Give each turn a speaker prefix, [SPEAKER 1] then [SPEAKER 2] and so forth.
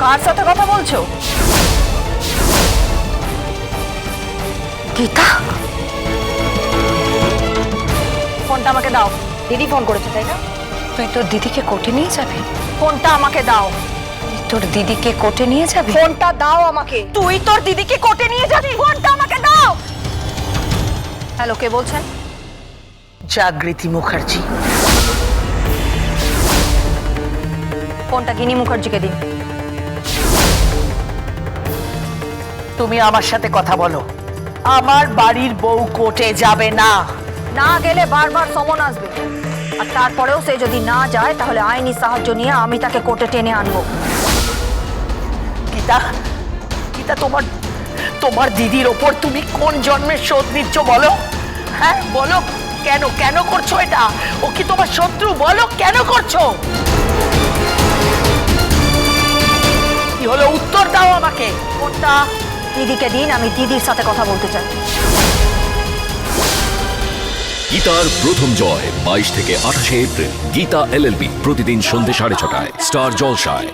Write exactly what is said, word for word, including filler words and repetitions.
[SPEAKER 1] কার সাথে কথা বলছো? গীতা, ফোনটা আমাকে দাও। দিদি ফোন করেছে, তাই না?
[SPEAKER 2] তুই তোর দিদিকে কোর্টে নিয়ে যাবি?
[SPEAKER 1] ফোনটা আমাকে দাও।
[SPEAKER 2] তোর দিদিকে কোর্টে নিয়ে যাবি?
[SPEAKER 1] ফোনটা দাও আমাকে। তুই তোর দিদিকে কোর্টে নিয়ে যাবি? ফোনটা আমাকে দাও। হ্যালো, কে বলছেন?
[SPEAKER 3] জাগৃতি মুখার্জি।
[SPEAKER 1] ফোনটা গিনি মুখার্জিকে দিন।
[SPEAKER 3] তুমি আমার সাথে কথা বলো। আমার বাড়ির বউ কোর্টে যাবে না।
[SPEAKER 1] না গেলে বারবার সমন আসবে, আর তারপরেও সে যদি না যায় তাহলে আইনি সাহায্য নিয়ে আমি তাকে কোর্টে টেনে আনবো।
[SPEAKER 3] গীতা, গীতা, তোমার তোমার দিদির ওপর তুমি কোন জন্মের শোধ নিচ্ছ বলো? হ্যাঁ বলো, কেন কেন করছো এটা? ও কি তোমার শত্রু? বলো কেন করছো? কি হলো, উত্তর দাও আমাকে।
[SPEAKER 1] ফোনটা দিদিকে দিন, আমি দিদির সাথে কথা বলতে চাই।
[SPEAKER 4] গীতার প্রথম জয় বাইশ থেকে আঠাশে April. Gita L L B প্রতিদিন সন্ধ্যে সাড়ে ছটায় স্টার জলসায়।